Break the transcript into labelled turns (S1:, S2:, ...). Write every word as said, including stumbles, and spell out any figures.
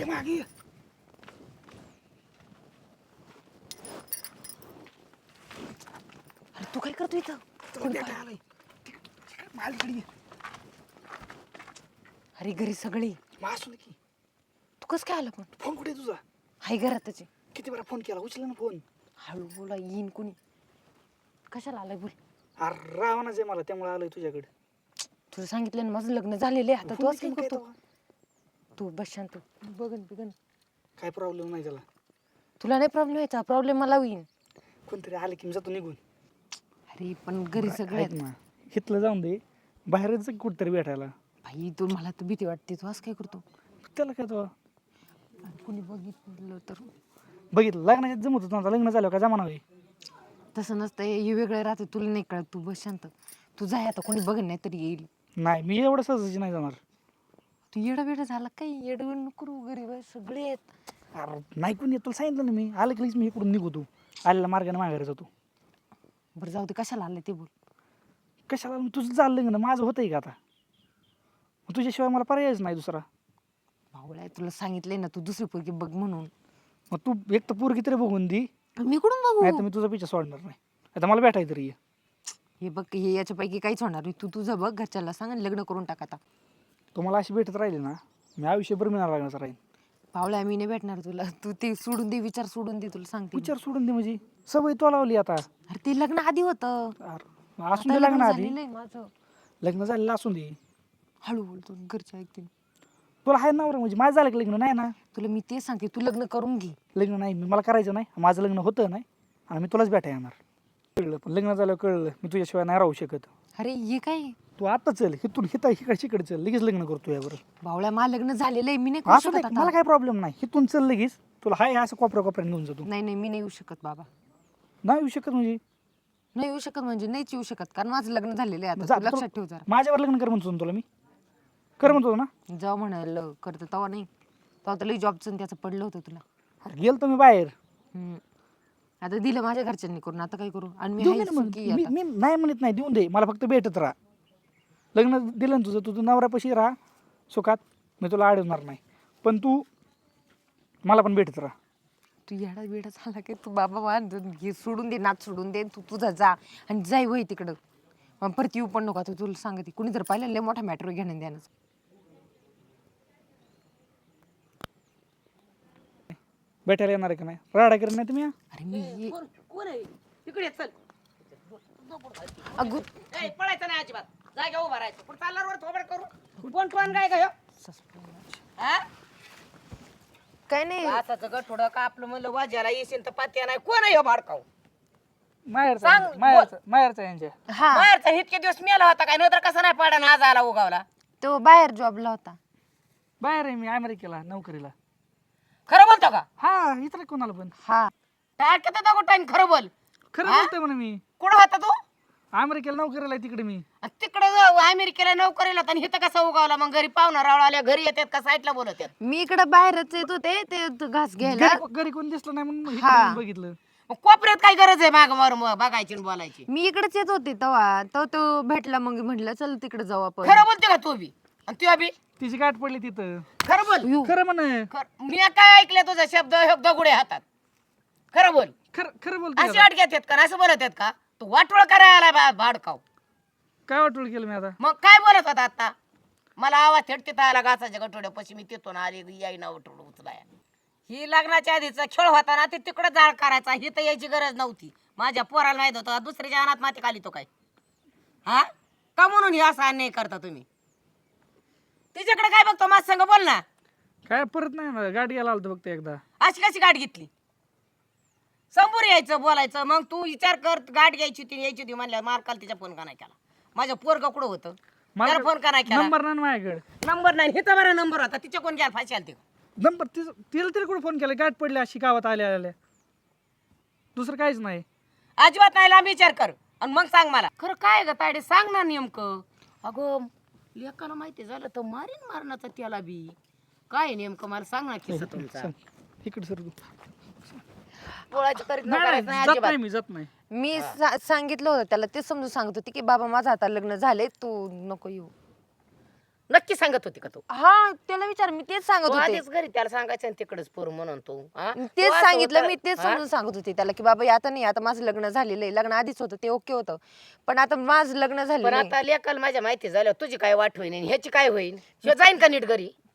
S1: मागे ये.
S2: अरे तू काय करतो इथं?
S1: तुला भेटायला आलोय. तिकडे- तिकडे माझ्याकडे ये.
S2: अरे घरी सगळी.
S1: मग असू दे की.
S2: तू कस काय आला पण?
S1: फोन कुठे आहे तुझा?
S2: हाय घरातच आहे.
S1: किती वेळा फोन केला उचला ना फोन.
S2: हळू बोला येईन कोणी. कशाला आलाय बोल.
S1: अरे रावणाच आहे मला त्यामुळे आलोय तुझ्याकडे.
S2: तुला सांगितलं ना माझं लग्न झालेलं आहे. आता तू
S1: फोन
S2: असं काय
S1: केला काय
S2: करतो?
S1: तेव्हा?
S2: तू बस शांत. बघन बिगन.
S1: काय प्रॉब्लेम नाही त्याला.
S2: तुला नाही प्रॉब्लेम व्हायचा. प्रॉब्लेम मला होईन.
S1: कोणतरी आलं की मी जातो निघून.
S2: अरे पण घरी सगळे
S1: ऐक ना हिथलं जाऊन दे बाहेरच जा कुठतरी भेटायला.
S2: भाई तू मला तर भीती वाटते. तू असं काय करतो?
S1: त्याला काय तो
S2: अरे कोणी बघितलं तर?
S1: बघितलं लग्नाच्या जमत होतं आता लग्न झालं का जमाना होय.
S2: तसं नसतं. हे वेगळं राहते. तुला नाही कळत. तू बस शांत. तू जाय आता. कोणी बघन नाही तरी येईल.
S1: नाही मी एवढं सहजाची नाही जाणार.
S2: तू येडा वेडा झाला काही येड वेड नको करू. घरी बाई सगळे आहेत.
S1: अरे नाही कोणी येत तुला सांगितलं ना मी आलं की लगेच मी इकडून निघतो. आलेला मार्गाने माघारी जातो.
S2: बरं जाऊ दे. कशाला आलं ते बोल.
S1: कशाला मग तुझं चाललं ना माझं होतंय का आता. मग तुझ्याशिवाय मला पर्यायच नाही दुसरा.
S2: भावळ्या तुला सांगितलंय ना तू दुसरी पोरगी बघ म्हणून.
S1: मग तू एक तर पोरगी तरी बघून दे
S2: मी कुठून
S1: नाही तर
S2: बघू?
S1: मी तुझा पिछा सोडणार नाही. आता मला भेटाय तरी ये.
S2: हे बघ हे याच्यापैकी काहीच होणार नाही. तू तुझं बघ घरच्याला सांग आणि लग्न करून टाक आता.
S1: तुम्हाला अशी भेटत राहिली ना मी आयुष्यभर मिळणार लागण्याचं राहील.
S2: भावळ्या मी नाही भेटणार तुला. तू ते सोडून दे. विचार सोडून दे. तुला सांगते मी.
S1: विचार सोडून दे म्हणजे सवय तो लावली आता.
S2: अरे ते लग्न आधी होतं.
S1: अरे,
S2: आता
S1: असून दे
S2: लग्न
S1: लग्न आधी.
S2: झालेलं आहे माझं.
S1: लग्न झालेलं असून दे.
S2: हळू बोलतो घरचे ऐकतील.
S1: तुला आहे नवरा म्हणजे माझं झालं की लग्न नाही ना.
S2: तुला मी ते सांगते तू लग्न करून घे.
S1: लग्न नाही मी मला करायचं नाही माझं लग्न होतं नाही आणि मी तुलाच भेटाय येणार. कळलं पण लग्न झालं कळलं मी तुझ्याशिवाय नाही राहू शकत.
S2: अरे हे काय
S1: तू आता चल हिथून हिता इकडे इकडे चल लगेच लग्न करतो यावर.
S2: भावळ्या मला लग्न झालेलं आहे. मी नाही करू
S1: असं
S2: शकत
S1: नाही मला
S2: आता.
S1: काय प्रॉब्लेम नाही हिथून चल लगेच तुला हाय असं कोपऱ्या कोपऱ्याने घेऊन जातो.
S2: नाही नाही मी नाही येऊ शकत बाबा.
S1: नाही येऊ शकत म्हणजे
S2: नाही येऊ शकत म्हणजे नाहीच येऊ शकत. कारण माझं लग्न झालेलं आहे
S1: जा,
S2: आता. तू
S1: तुला-
S2: लक्षात ठेव जरा.
S1: माझ्यावर लग्न कर म्हणतो ना तुला मी कर म्हणतो ना.
S2: जाऊ म्हणाल करतं तेव्हा नाही. तेव्हा तुला जॉबचं त्याचं पडलं होतं तुला.
S1: अरे गेलतो मी बाहेर.
S2: हम्म. आता दिलं माझ्या घरच्यांनी करून. आता काय करू? आणि मी
S1: देऊन
S2: आहे
S1: दे ना मग.
S2: सुखी
S1: मी
S2: आता.
S1: मी नाही म्हणत नाही देऊन दे मला फक्त भेटत राहा. लग्न दिलं ना तुझं तुझं नवऱ्यापाशी राहा सुखात मी तुला अडवणार नाही पण तू मला पण भेटत राहा.
S2: तू येडा बिडा झाला की तू बाबा मान हे सोडून दे. नाच सोडून दे. तू तुझा जा आणि जाई वय तिकडं. मग परत येऊ पण नको. आता तुला सांगते कुणी जर पाहिलं लय मोठा मॅटर घेणं द्यानच.
S1: भेटायला येणार आहे का नाही राडा करत नाही तुम्ही.
S2: अरे मी ये-
S3: कोण आहे इकडे ये, चल
S2: अगो
S3: ए, पळायचं नाही अजिबात जागा उभा राहायचं पण चालणार वर थोबड करू कोण कोण काय काय हा
S2: काय नाही.
S3: असं गट थोडं का आपलं म्हणलं वाजायला येशील तर पात्या नाही कोण आहे ह्यो भाडकाव
S1: माहेरचा
S3: सांग,
S1: यांच्या- माहेरचा माहेरचा यांच्या
S2: हा
S3: बाहेरचा इतके दिवस मेला होता काय नंतर कसा नाही पडा ना आज आला उगावला
S2: तो बाहेर जॉबला होता.
S1: बाहेर आहे मी अमेरिकेला नोकरीला.
S3: खरं बोलतो का
S1: हा इथं कोणाला पण
S2: हा
S3: टाकत होता टाइम खरं बोल
S1: खरं बोलतोय म्हणा मी.
S3: कुठं होता तू
S1: अमेरिकेला नोकरीला आहे तिकडे मी.
S3: तिकडे अमेरिकेला नोकरीला होता आणि इथं कसा उगावला मग घरी पाहुणा रावळा आल्या घरी येतात का साईडला बोलत आहेत
S2: मी इकडे बाहेरच येत होते ते त- घास घ्यायला.
S1: घरी घरी कोण दिसलं नाही म्हणून इकडे
S2: हा.
S1: येऊन बघितलं.
S3: मग कोपऱ्यात काय गरज आहे माग वर बघायची आणि बोलायची
S2: मी इकडेच येत होते तेव्हा तो तो भेटला. मग म्हटलं चल तिकडे जाऊ आपण.
S3: खरं बोलते का तू बी आणि तू बी
S1: तिची गाठ पडली तिथं.
S3: खरं बोल
S2: यू.
S1: खरं म्हण
S3: खरं- मी काय ऐकलं तुझा शब्द हे दगुडे हातात खरं बोल
S1: खरं खरं बोलतोय
S3: अशी
S1: आता.
S3: वाट घेतात का असं बोलत आहेत का तू वाटोळ करायला बा- भाडकाव
S1: काय वाटोळ केलं मी आता.
S3: मग काय बोलत होता आता मला आवाज थेट आला घासाच्या गठोड्यापाशी मी तिथून आली याई ना उठवलं उचलाय ही लग्नाच्या आधीचा खेळ होता ना ते तिकडे जाळ करायचा ही तर यायची गरज नव्हती माझ्या पोराला माहित होतं दुसऱ्याच्या अनात माती खाली तो काय हा का म्हणून हे असा अन्याय करता तुम्ही तिच्याकडे काय बघतो माझ संग बोल ना
S1: काय परत नाही ना गाडी यायला आलतो फक्त एकदा.
S3: अशी कशी गाठ घेतली समोर यायचं बोलायचं मग तू विचार कर गाठ घ्यायची होती यायची होती म्हणल्या मार्काला तिचा फोन का नाही केला माझ्या पोरगा कुठं होतं त्याला फोन का नाही केला
S1: नंबर नाही ना माझ्याकडे.
S3: नंबर नाही हे तर बरा नंबर होता तिच्या कोण घ्यायला फाशी आलती
S1: नंबर तिचं तिला तरी कुठे फोन केला गाठ पडली अशी गावात आल्या आल्या दुसरं काहीच नाही.
S3: अजिबात नाही लांब विचार कर आणि मग सांग मला खरं काय ग तायडे सांग ना नेमकं अगं लेकाला माहिती झालं तर मारीन मारण्याचा त्याला बी काय नेमकं मला सांग ना किस्सा तुमचा
S1: सांग. इकडे सर तू.
S3: पोळाची करीत न
S1: नाही
S3: करायचं
S1: नाही,
S3: नाही
S1: जात
S3: अजिबात
S1: नाही मी जात नाही.
S2: मी सा- सांगितलं होतं त्याला. ते समजून सांगत होती की बाबा माझा आता लग्न झाले तू नको येऊ.
S3: नक्की सांगत होती का तू
S2: हा त्याला विचार मी तेच सांगत
S3: तू
S2: होते
S3: आधीच घरी त्याला सांगायचं आणि तिकडेच पोर म्हणून तू हा?
S2: मी
S3: तू
S2: तेच
S3: असं
S2: सांगितलं
S3: होतं-
S2: मी तेच
S3: हा?
S2: समजून सांगत होते त्याला की बाबा हे आता नाही आता माझं लग्न झालेलं आहे लग्न आधीच होतं ते ओके होतं पण आता माझं लग्न
S3: पण
S2: झालेलं आहे
S3: आता लेकाल माझ्या माहिती झालं तुझी काय वाट होईन आणि ह्याची काय होईल ह्यो जाईन का नीट घरी